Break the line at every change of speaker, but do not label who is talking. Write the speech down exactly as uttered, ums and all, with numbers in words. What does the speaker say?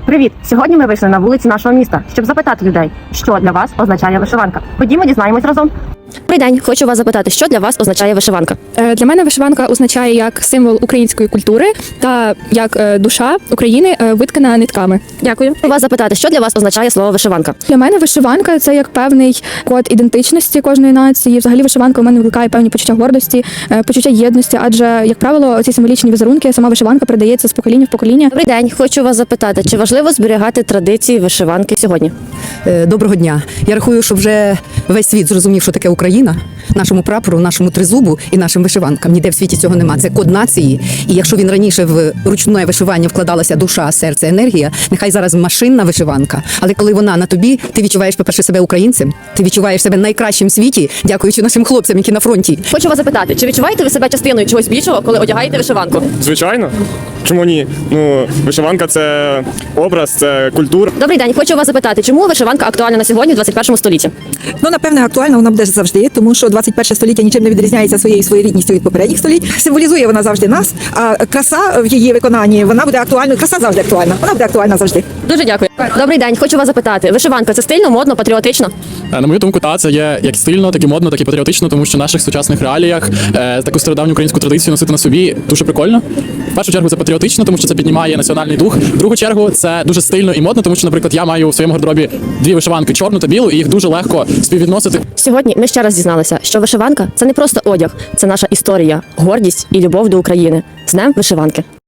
Привіт! Сьогодні ми вийшли на вулиці нашого міста, щоб запитати людей, що для вас означає вишиванка. Ходімо, дізнаємось разом.
Добрий день, хочу вас запитати, що для вас означає вишиванка?
Е, Для мене вишиванка означає як символ української культури та як е, душа України е, виткана нитками.
Дякую. Хочу вас запитати, що для вас означає слово вишиванка?
Для мене вишиванка це як певний код ідентичності кожної нації. Взагалі вишиванка у мене викликає певні почуття гордості, е, почуття єдності, адже, як правило, ці символічні візерунки, сама вишиванка передається з покоління в покоління.
Добрий день, хочу вас запитати, чи важливо зберігати традиції вишиванки сьогодні?
Е, Доброго дня. Я рахую, що вже весь світ зрозумів, що таке Україна, нашому прапору, нашому тризубу і нашим вишиванкам. Ніде в світі цього нема. Це код нації. І якщо він раніше в ручне вишивання вкладалася душа, серце, енергія, нехай зараз машинна вишиванка. Але коли вона на тобі, ти відчуваєш, по-перше, себе українцем, ти відчуваєш себе найкращим в світі, дякуючи нашим хлопцям, які на фронті.
Хочу вас запитати, чи відчуваєте ви себе частиною чогось більшого, коли одягаєте вишиванку?
Звичайно. Чому ні? Ну, вишиванка – це образ, це культура.
Добрий день, хочу вас запитати, чому вишиванка актуальна на сьогодні, в двадцять першому столітті?
Ну, напевне, актуальна вона буде завжди, тому що двадцять перше століття нічим не відрізняється своєю своєрідністю від попередніх століть. Символізує вона завжди нас, а краса в її виконанні, вона буде актуальною. Краса завжди актуальна, вона буде актуальна завжди.
Дуже дякую. Добрий день, хочу вас запитати, вишиванка – це стильно, модно, патріотично?
На мою думку, та це є як стильно, так і модно, так і патріотично, тому що в наших сучасних реаліях е, таку стародавню українську традицію носити на собі дуже прикольно. В першу чергу це патріотично, тому що це піднімає національний дух. В другу чергу це дуже стильно і модно, тому що, наприклад, я маю у своєму гардеробі дві вишиванки, чорну та білу, і їх дуже легко співвідносити.
Сьогодні ми ще раз дізналися, що вишиванка – це не просто одяг, це наша історія, гордість і любов до України. З Днем вишиванки!